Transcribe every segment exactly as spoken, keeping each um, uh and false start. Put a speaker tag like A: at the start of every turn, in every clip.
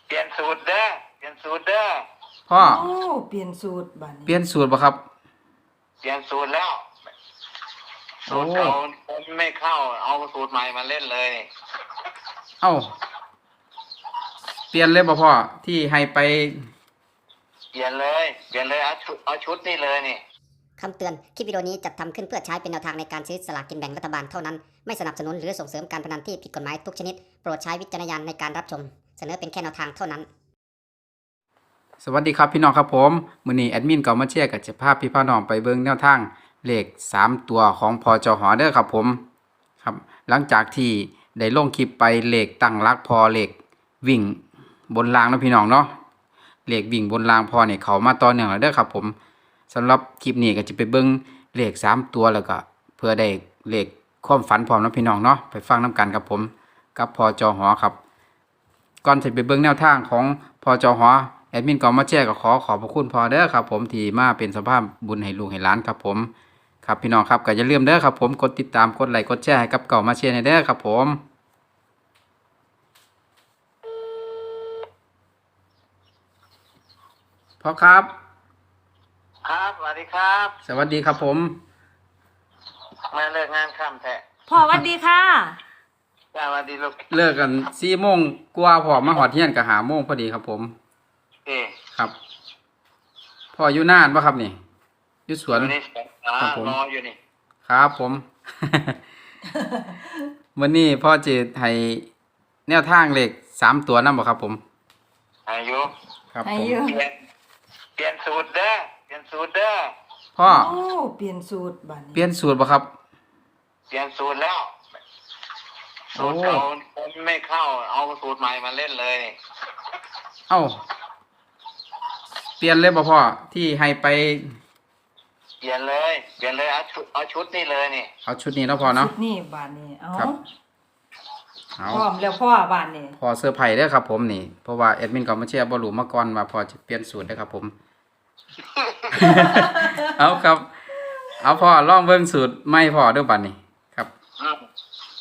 A: เปลี่ยนสูตรเด้อเปลี่ยนสูตรเด้อ
B: พ่อ
C: โอ้เปลี่ยนสูตรบัดนี้
B: เปลี่ยนสูตรบ่ครับ
A: เปลี่ยนสูตรแล้ว
B: โอ้
A: สูตรเก่าคนไม่เข้าเอาสูตรใหม่มาเล่นเลยนี่
B: เอ้าเปลี่ยนเลยบ่พ่อที่ให้ไป
A: เปลี่ยนเลยเปลี่ยนเลยเอาชุดเอาชุดนี่เลยนี่
D: คำเตือน คลิปวิดีโอนี้จัดทำขึ้นเพื่อใช้เป็นแนวทางในการซื้อสลากกินแบ่งรัฐบาลเท่านั้น ไม่สนับสนุนหรือส่งเสริมการพนันที่ผิดกฎหมายทุกชนิด โปรดใช้วิจารณญาณในการรับชม เสนอเป็นแค่แนวทางเท่านั้น
B: สวัสดีครับพี่น้องครับผมมื้อนี้แอดมินก็มาแชร์กับจะพาพี่พี่น้องไปเบิ่งแนวทางเลขสามตัวของพจหเด้อครับผมครับหลังจากที่ได้ลงคลิปไปเลขตั้งหลักพอเลขวิ่งบนรางเนาะพี่น้องเนาะเลขวิ่งบนรางพอเนี่ยเขามาต่อเนื่องแล้วเด้อครับผมสำหรับคลิปนี้ก็จะไปเบิ่งเลขสามตัวแล้วก็เพื่อได้เลขความฝันพร้อมนะพี่น้องเนาะไปฟังน้กันครับผมกับพจหครับก่อนจะไปเบิ่งแนวทางของพจหแอดมินก็มาแชร์ก็ขอขอบพระคุณพอเด้อครับผมที่มาเป็นสภาพบุญให้ลูกให้หลานครับผมครับพี่น้องครับก็อย่าลืมเด้อครับผมกดติดตามกดไลค์กดแชร์ให้กับเก่ามาแชร์ให้เด้อครับผมพ่อครับ
A: ครับสวัสดีครับ
B: สวัสดีครับผม
A: มาเลิกงานค่ำแท้
C: พ่อหวัดดีค่ะ
A: สวัสดีลูก
B: เลิกกันสี่โมงกว่าพ่อมาหอดเที่ยงก็หาโมงพอดีครับผม
A: เอ๊ะ
B: ครับพ่ออยู่นานปะครับนี่อยู่สวน
A: อยู่ในสวนอ่า
B: ครับผม
A: รออยู่นี่
B: ครับผม วันนี้พ่อจะให้แนวทางเลขสามตัวนั่นบ่ครับผม
A: อายุ
B: ครับ
C: อา
B: ผม
C: ยุ
A: เปลี่ยนเปลี่ยนสูตรเด้อเปลี่ยนสูตรเด้อ
B: พ่อ
C: โอ้เปลี่ยนสูตรบัดนี้
B: เปลี่ยนสูตรบ่ครับ
A: เปลี่ยนสูตรแล้ว
B: โอ้
A: สูตรเก่าคนไม่เข้าเอาสูตรใหม่มาเล่นเลยนี่
B: เอ้าเปลี่ยนเลยบ่พ่อที่ให้ไป
A: เปลี่ยนเลยเปลี่ยนเลยเอาชุดเอาชุดนี่เลยนี่
B: เอาชุดนี้เนาะพ่อเนาะ
C: สูตรนี่บัดนี้เอา
B: ครับเอา
C: พร้อมแล้วพ่อบัดนี้
B: พอเซอร์ไพรส์เด้อครับผมนี่เพราะว่าแอดมินก็มาแชร์บ่รู้มาก่อนว่าพอจะเปลี่ยนสูตรเด้อครับผม เอาครับ เอาพ่อลองเบิ่งสูตรใหม่พ่อเด้อบัดนี้ครับ
A: อืม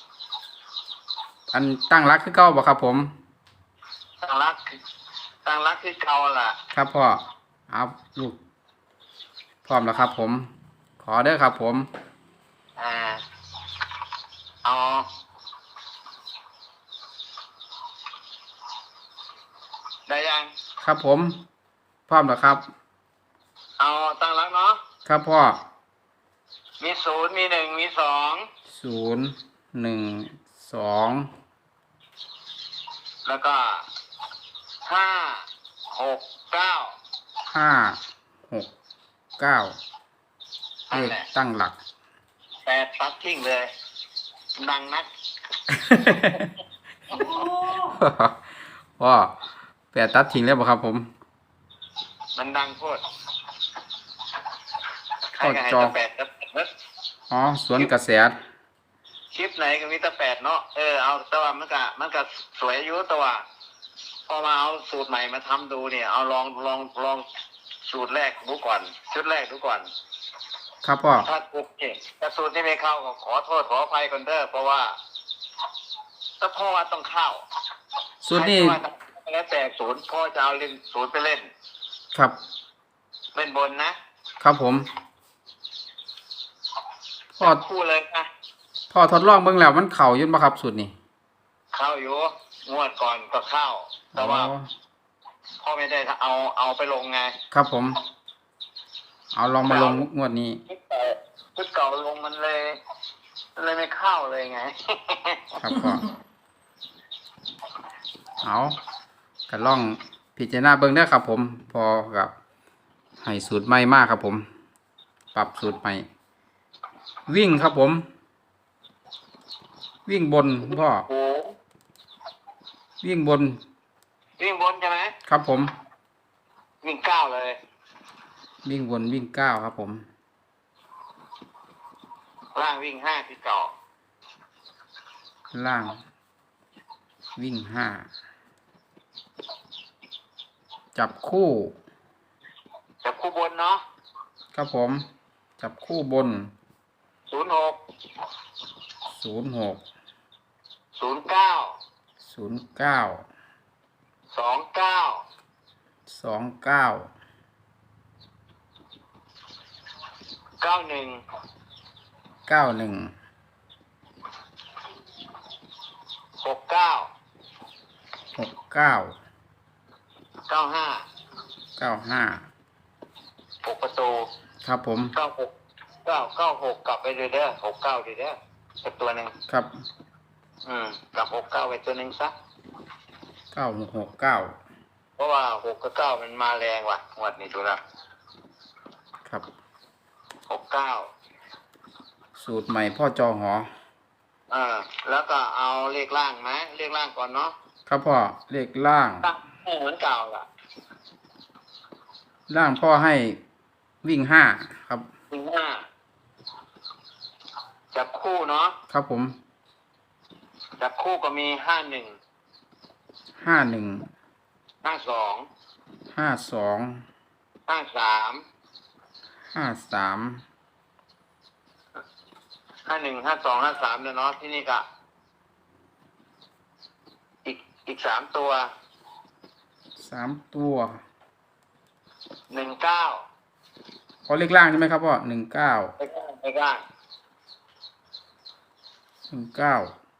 B: อันตั้งรักคือเก่าบ่ครับผม
A: ตั้งรักตั้งรักคือเก่าล่ะ
B: ครับพ่อเอาลูกพร้อมแล้วครับผม ขอเด้อครับผม
A: อ่าเอาได้ยัง
B: ครับผม พร้อมแล้วครับ
A: เอาตั้งรักเนาะ
B: ครับพ่อ
A: มีศูนย์มีหนึ่งมีสอง
B: ศูนย์หนึ่งสอง
A: แล้วก็ห้าหกเก้า
B: ห้าหกเก้าเล
A: นั่น
B: ข
A: แหละ
B: ตั้งหลัก
A: แปดตัดทิ้งเลย ดังนัก
C: โอ้
B: พ่อแปดตัดทิ้งแล้วบ่ครับผม
A: มันดังโคตรใคร
B: ก็
A: ก็ให้
B: จอ
A: แต่แปดแล้วเนอะ
B: อ๋อสวนกระแส
A: คลิปไหนก็มีแต่แปดเนาะเออเอาแต่ว่ามันก็มันก็สวยอยู่แต่ว่าพอมาเอาสูตรใหม่มาทำดูเนี่ยเอาลองลองลองสูตรแรกดูก่อน ชุดแรกดูก่อน
B: ครับพ่อ
A: ถ้าถูกเนี่ยถ้าสูตรที่ไม่เข้าก็ขอโทษขออภัยก่อนเด้อเพราะว่าถ้าพ่อว่าต้องเข้า
B: สูตรนี้
A: ใคว่าแล้วแต่ศูนย์พ่อจะเอาเล่นศูนย์ไปเล่น
B: ครับ
A: เล่นบนนะครับ
B: ผมพ่อ
A: คู่เลยนะ
B: พ่อทดลองเบิ่งแล้วมันเข้าอยู่บ่ครับสูตรนี้
A: เข้าอยู่งวดก่อนก็เข้า แต่ว่า
B: อ๋อ
A: พ่อไม่ได้เอาเอาไปลงไง
B: ครับผม เอาลองมาลงงวดนี้
A: ชุดเก่าชุดเก่าลงมันเลยมันเลยไม่เข้าเลยไง
B: ครับพ่อเอาก็ลองพิจารณาเบิ่งเด้อครับผม พอกับให้สูตรใหม่มากครับผม ปรับสูตรใหม่ วิ่งครับผม วิ่งบนพ่อ
A: โอ้
B: วิ่งบน
A: วิ่งบนใช่ไหม
B: ครับผม
A: วิ่งเก้าเลย
B: วิ่งบนวิ่งเก้าครับผม
A: ล่างวิ่งห้าคือเก่า
B: ล่าง วิ่งห้า จับคู่
A: จับคู่บนเนาะ
B: ครับผม จับคู่บน
A: ศูนย์หก
B: ศูนย์หก
A: ศูนย์เก้า
B: ศูนย์เก้า
A: สสองเก้า
B: สองเก้า
A: เก้าหนึ่ง
B: เก้าหนึ่ง
A: หกเก้า
B: หกเก้า
A: เก้าห้า
B: เก้าห้า
A: หกประตู
B: ครับผม
A: เก้าหกเก้าเก้าหกกลับไปเลยเด้อหกเก้าดีเด้อสักตัวหนึ่ง
B: ครับ
A: อืมกลับหกเก้าไปตัวหนึ่งซะ
B: เก้าหกหกเก้า
A: เพราะว่าหกกับเก้ามันมาแรงว่ะงวดนี้ดูแล้ว
B: ครับ
A: หกเก้า
B: สูตรใหม่พ่อจอหอ
A: เออแล้วก็เอาเลขล่างไหมเลขล่างก่อนเนาะ
B: ครับพ่อเลขล่าง
A: ตั้งให้เหมือนเก่าล่ะ
B: ล่างพ่อให้วิ่งห้าครับ
A: หนึ่งห้าจับคู่เนาะ
B: ครับผม
A: จับคู่ก็มีห้าหนึ่ง
B: ห้าหนึ่ง
A: ห้าสอง
B: ห้าสอง
A: ห้าสาม
B: ห้าสาม
A: ห้าหนึ่งห้าสองห้าสามเลยเนาะที่นี่ก็อีกอีกสามตัว
B: สามตัว
A: หนึ่งเก้า
B: พอเลขล่างใช่ไหมครับพ่อหนึ่งเก้า
A: ไม่กล้าไม่กล้า
B: หนึ่งเก้า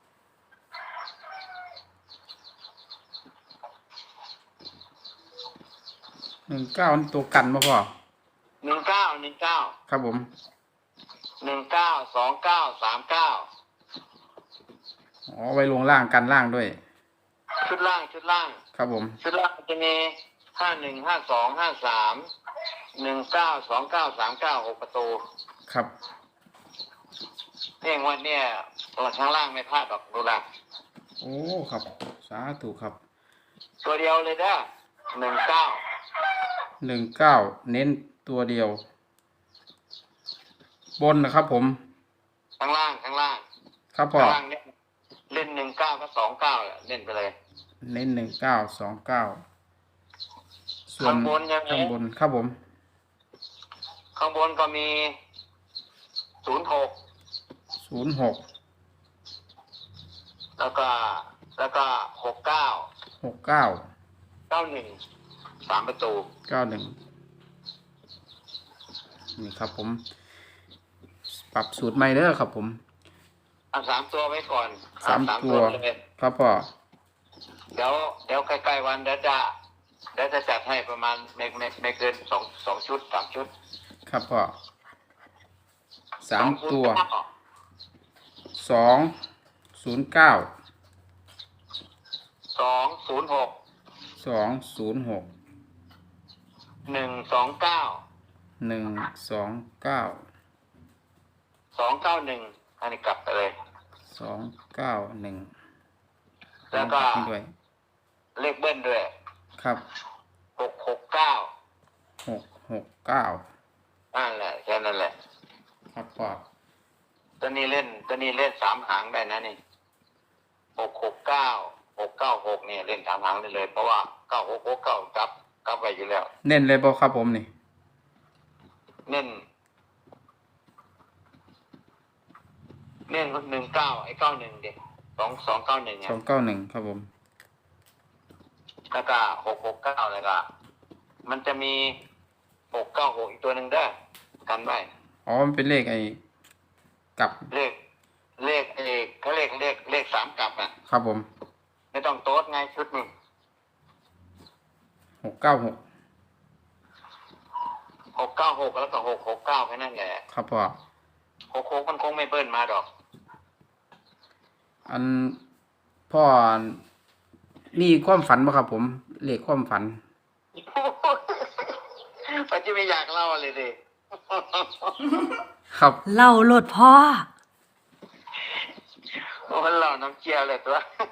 B: หนึ่งเก้านี่ตัวกันมาพ่อ
A: หนึ่งเก้าหนึ่งเก้า
B: ครับผม
A: หนึ่งเก้าสองเก้าสามเก้า
B: อ๋อไว้ลงล่างกันล่างด้วย
A: ชุดล่างชุดล่าง
B: ครับผม
A: ชุดล่างจะมีห้าหนึ่งห้าสองห้าสามหนึ่งเก้าสองเก้าสามเก้าหกประตู
B: ครับ
A: เพียงวันเนี้ยตัวข้างล่างไม่พลาดหรอกดูละ
B: โอ้ครับสาธุครับ
A: ตัวเดียวเลยเด้อหนึ่งเก้า
B: หนึ่งเก้าเน้นตัวเดียว บนนะครับผม
A: ข้างล่างข้างล่าง
B: ครับพ่อ
A: ข้างล่างเนี่ยเล่นหนึ่งเก้าก็สองเก้าเล่นไปเลย
B: เน้นหนึ่งเก้าสองเก้าส่วน
A: ข้างบนยังไง
B: ข้างบนครับผม
A: ข้างบนก็มีศูนย์หก
B: ศูนย์หก
A: แล้วก็แล้วก็หกเก้า
B: หกเก้า
A: เก้าหนึ่งสามประตู
B: เก้าหนึ่งนี่ครับผม ปรับสูตรใหม่เด้อครับผม
A: เอาสามตัวไว้ก่อน
B: สาม
A: เอ
B: ตัว
A: เลย
B: ครับพ่อ
A: เดี๋ยวเดี๋ยวใกล้ๆวันเดี๋ยวจะเดี๋ยวจะจัดให้ประมาณไม่ไม่ไม่เกินสองสองชุดสามชุด
B: ครับพ่อสาม
A: องชุด
B: ตัว
A: ก็
B: สองศูนย์เก้า
A: สองศูนย์หก
B: สองศูนย์หก
A: หนึ่งสองเก้า
B: หนึ่งสองเก้า
A: สองเก้าหนึ่งอันนี้กลับไปเลย
B: สองเก้าหนึ่ง
A: แล้วก็
B: นี่ด้วย
A: เลขเบิ้ลด้วย
B: ครับ
A: หกหกเก้า
B: หกหกเก้า
A: นั่นแหละแค่นั้นแหละ
B: ครับพ่อ
A: ตัวนี้เล่นตัวนี้เล่นสามหางได้นะนี่หกหกเก้าหกเก้าหกเนี่ยเล่นสามหางได้เลย เพราะว่าเก้าหกหกเก้ากับกับไปอยู่แล้ว
B: เน้นเลยบ่ครับผมนี่
A: เน้นเน้นหนึ่งเก้าไอ้เก้าหนึ่งเด็กสองสองเก้าหนึ่ง
B: สองเก้าหนึ่งครับผม
A: แล้วก็หกหกเก้าแล้วก็มันจะมีหกเก้าหกอีกตัวหนึ่งได้อกันไว้
B: อ๋อมันเป็นเลขไอ้กลับ
A: เลขเลขเอกเขาเลขเลขเลขสามกลับอ่ะ
B: ครับผม
A: ไม่ต้องโต๊ดไงชุดหนึ่ง
B: หกเก้าหก
A: หกเก้าหกแล้วก็หกหกเก้าแค่นั้นแหละ
B: ครับพ่อ
A: หกหกมันคงไม่เบิ้ลมาดอก
B: อันพ่อมีความฝันบ่ครับผมเลขความฝัน
A: ปัจจุบันอยากเล่าเลยดิ
B: ครับ
C: เล่าโลดพ่อ
A: โอ้มันเล่าน้ำเจียวเลยตัว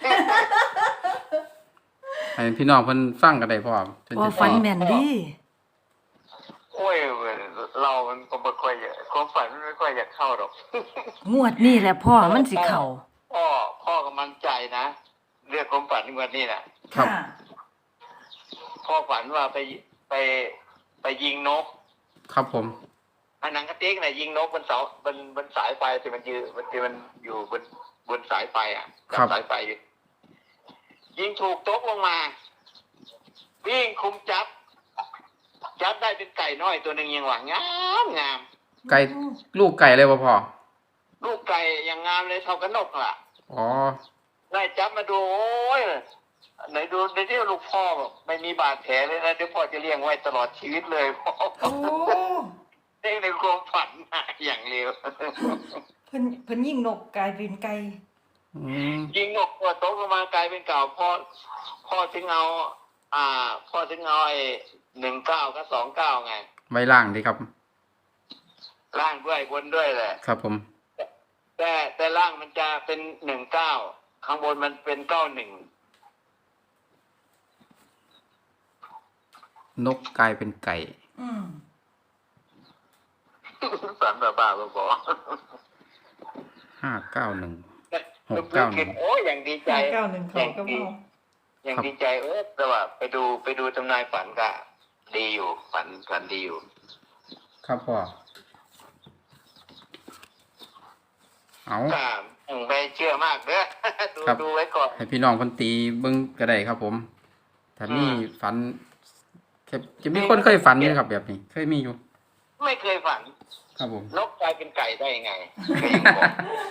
B: ให้พี่น้องเพิ่นฟังกันได้พ่อเพิ่น
C: พ่อ
B: จะ
C: ฝันแม่นดิ
A: โอ้ยเรามันก็ไม่ค่อยอยากความฝันมันไม่ค่อยอยากเข้าหรอก
C: งวดนี่แหละพ่อมันสิเข้า
A: พ่อพ่อก็มั่นใจนะเรื่องความฝันงวันนี้นะครับ พ่อฝันว่าไปไปไปยิงนก
B: ครับผม
A: อันหนังกระติกน่ะยิงนกบนเสาบนบนสายไฟที่มันยืนมันที่มันอยู่บนบนสายไฟอ่ะกับสายไฟอยู่ยิงถูกตกลงมาวิ่งคุมจับจับได้เป็นไก่น้อยตัวหนึ่งยังหว่างามงาม
B: ไก่ลูกไก่เลยบ่พ่อ
A: ลูกไก่ยังงามเลยเท่ากับนกล่ะ
B: อ๋อ
A: ได้จับมาดูโอ้ยไหนดูในที่ลูกพ่อบอกไม่มีบาดแผลเลยนะเดี๋ยวพ่อจะเลี้ยงไว้ตลอดชีวิตเลยพ่อ
C: โอ้
A: เด้งในความฝันมาอย่างเร็ว
C: เพิ่นเพิ่นยิงนกกลายเป็นไก่
B: อืม
A: ยิงนกตัวโตขึ้นมากลายเป็นเก่าพ่อพ่อถึงเอา อ่า พ่อถึงเอาไอ้หนึ่งเก้ากับสองเก้าไง
B: ไว้ล่างดีครับ
A: ล่างด้วยบนด้วยแหละ
B: ครับผม
A: แต่แต่ล่างมันจะเป็นหนึ่งเก้าข้างบนมันเป็นเก้าหนึ่ง
B: นกกลายเป็นไก่
C: อืม
A: ฝันบ้าบ้าๆบอ
B: ห้าเก้าหนึ่ง
A: ๆ
B: หกเก้าหนึ่ง
A: โอ้ยอย่างดีใจ
C: ห้าเก้าหนึ่งเขาก็เมา
A: อย่างดีใจเออแต่ว่าไปดูไปดูทำนายฝันก็ดีอยู่ ฝันฝันดีอยู่
B: ครับพ่อ เอา
A: ก็ต้องไปเชื่อมากเด้อ ดู
B: ครับ
A: ดูไว้ก่อน
B: ให้พี่น้องเพันตีเบิ่งก็ได้ครับผมถ้ามี
A: อืม
B: ฝันแค่จะมีคนเคยฝันนี่ครับแบบนี้ เคยมีอยู่
A: ไม่เคยฝัน
B: ครับผม
A: นกกลายเป็นไก่ได้ยังไงก็ยังบอก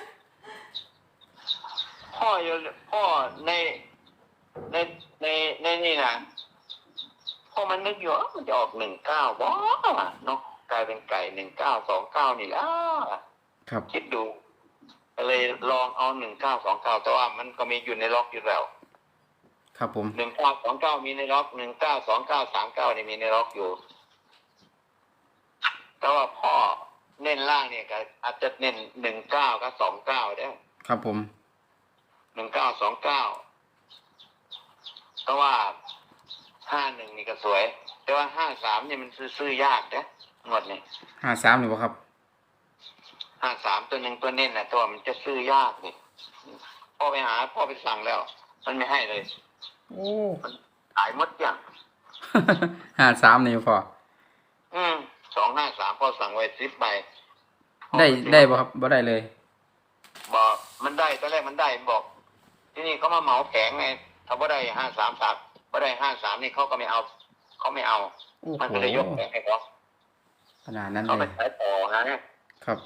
A: พ่ออยู่พ่อในในในในนี่นะพ่อมันนึกอยู่ว่ามันจะออกหนึ่งเก้าบ้านกกลายเป็นไก่หนึ่งเก้าสองเก้านี่แล้ว
B: ครับ
A: คิดดูก็เลยลองเอาหนึ่งเก้าสองเก้าแต่ว่ามันก็มีอยู่ในล็อกอยู่แล้ว
B: ครับผม
A: หนึ่งเก้าสองเก้ามีในล็อกหนึ่งเก้าสองเก้าสามเก้านี่มีในล็อกอยู่ แต่ว่าพ่อเน้นล่างเนี่ยก็อาจจะเน้นหนึ่งเก้ากับสองเก้าได้
B: ครับผม
A: หนึ่งเก้าสองเก้าเพราะว่าห้าหนึ่งนี่ก็สวย แต่ว่าห้าสามนี่มันซื้อยากนะหมดนี่
B: ห้าสามหรือเปล่าครับ
A: ห้าสามตัวหนึ่งตัวเน้นนะตัวมันจะซื้อยากนี่พ่อไปหาพ่อไปสั่งแล้ว มันไม่ให้เลย
B: โอ้
A: ขายหมดอย่าง
B: ห้าสามนี่พ่อ
A: อืมสองห้าสามพ่อสั่งไว้สิบใบ
B: ได้ได้ป่ะครับบ่ได้เลย
A: บอกมันได้ตอนแรกมันได้บอก ที่นี่เขามาเหมาแผงไงถ้าบ่ได้ห้าสามสามบ่ได้ห้าสามนี่เขาก็ไม่เอาเขาไม่เอา
B: โอ้
A: มัน
B: โห
A: ก็เลยยกแผงให้เขา
B: ขนาดนั้น
A: เขา
B: เล
A: ไป
B: ย
A: ขายต่อนะครับ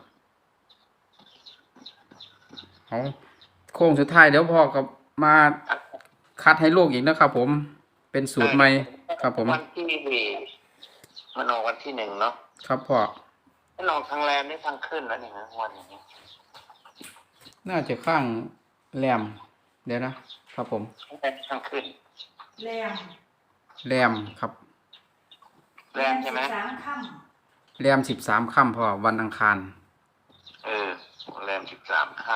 B: เอาโค้งสุดท้ายเดี๋ยวพ่อกับมาคัดให้ลูกอีกนะครับผม เป็นสูตรใหม่ ครับผม
A: วันที่มันออกวันที่หนึ่งเนาะ
B: ครับพ่อ
A: มันออกทางแรมนี่ทางขึ้นแล้วนี่นะวันอย่างนี้
B: น่าจะข้างแรม เดี๋ยวนะ ครับผม
A: ทางขึ้น
C: แรง
B: แรมครับ
A: แรมใช่ไหม
C: สามค่
B: แรมสิบสามค่ำพ่อวันอังคาร
A: เออแรมสิบสามค่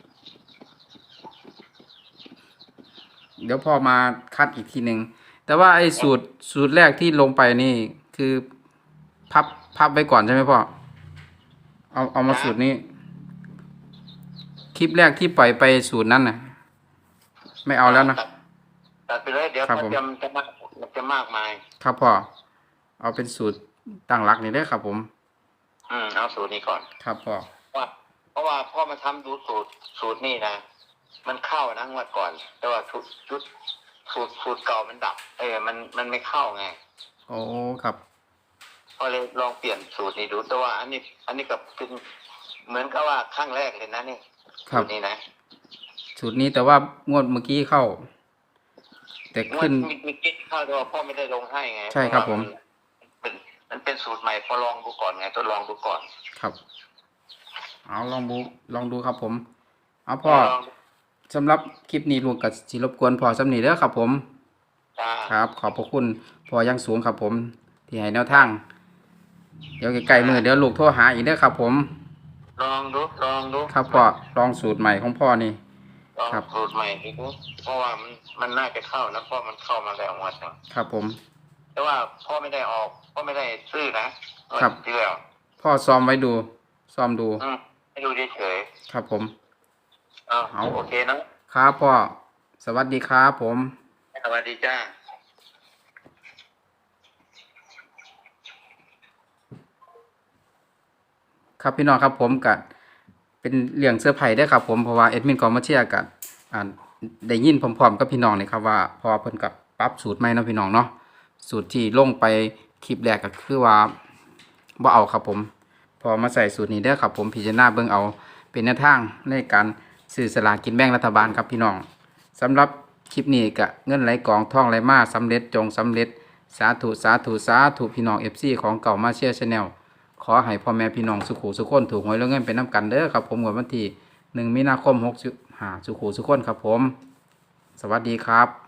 B: เดี๋ยวพ่อมาคัดอีกทีหนึ่ง แต่ว่าไอ้สูตรสูตรแรกที่ลงไปนี่คือพับพับไว้ก่อนใช่ไหมพ่อ เอาเอามาสูตรนี้ คลิปแรกที่ปล่อยไปสูตรนั้นน่ะ ไม่
A: ำ
B: เอาแล้วนะ
A: ตัดตัดไปเลยเดี๋ยว
B: ครับ
A: มัน
B: ผม
A: จะมันจะมากมันจะมากมาย
B: ครับพ่อ เอาเป็นสูตรตั้งหลักนี่ได้อครับผม
A: อืมเอาสูตรนี้ก่อน
B: ครับพ่อ
A: ว่าเพราะว่าพ่อมาทำดูสูตรสูตรนี่นะมันเข้านะงวดก่อน แต่ว่าชุดชุดสูตรสูตรเก่ามันดับ เออมันมันไม่เข้าไง
B: โอ้ครับ
A: พอเลยลองเปลี่ยนสูตรนี้ดูแต่ว่าอันนี้ อันนี้กับเป็นเหมือนกับว่าครั้งแรกเลยนะนี่
B: ครับ
A: สูตรนี้นะ
B: สูตรนี้แต่ว่างวดเมื่อกี้เข้า แต่
A: งว
B: ขึ้
A: ด
B: น
A: มีมีกิ๊กเข้าแต่ว่าพ่อไม่ได้ลงให้ไง
B: ใช่ครับ
A: เพาะว่า
B: ผม
A: เป็นมันเป็นสูตรใหม่พอลองดูก่อนไงทดลองดูก่อน
B: ครับ เอาลองดูลองดูครับผม เอาพ่อ
A: ลองดู
B: สำหรับคลิปนี้ลูกกับสิรบกวนพ่อสำนีเด้อครับผม
A: จ้า
B: ครับ ขอบพระคุณพ่อยังสูงครับผม ที่ให้แนวทาง เดี๋ยวใกล้ๆมือเดี๋ยวลูกโทรหาอีกเด้อครับผม
A: ลองดูลองดู
B: ครับพ่อลองสูตรใหม่ของพ่อนี่
A: ลอง
B: ครับ
A: สูตรใหม่ดูเพราะว่ามันมันน่าจะเข้านะเพราะมันเข้ามาแล้วงวดหนึ่ง
B: ครับผม
A: แต่ว่าพ่อไม่ได้ออกพ่อไม่ได้ซื้อนะครับ งวดที่แล้ว
B: พ่อซ้อมไว้ดู ซ้อมดู
A: อืมให้ดูเฉย
B: ครับผม
A: ๆเอา
B: เอา
A: โอเคนะครับ
B: พ่อ สวัสดีครับผม
A: สวัสดีจ้า
B: ครับพี่น้องครับผมกับเป็นเรื่องเสื้อร์ไผ่ได้อครับผมเพราะว่าเอ็ดมินกอมาเชียร์กับอ่าได้ยินพร้อมๆกับพี่น้องนี่ครับว่าพอเพิ่นกับปรับสูตรใหม่เนาะพี่น้องเนาะสูตรที่ลงไปคลิปแรกก็คือว่าบ่เอาครับผมพอมาใส่สูตรนี้เด้อครับผมพิจารณาเบิ่งเอาเป็นแนวทางในการซื้อสลากกินแบ่งรัฐบาลครับพี่น้องสำหรับคลิปนี้ก็เงินไหลกองท่องไหลมาสำเร็จจงสำเร็จสาธุสาธุสาธุพี่น้อง เอฟ ซี ของเก่ามาเชียร์ชาแนลขอให้พ่อแม่พี่น้องสุขุสุขคนถูกหวยแล้วเงินเป็นน้ำกันเด้อครับผมวันที่หนึ่งมีนาคมหกสิบห้าสุขุสุขคนครับผมสวัสดีครับ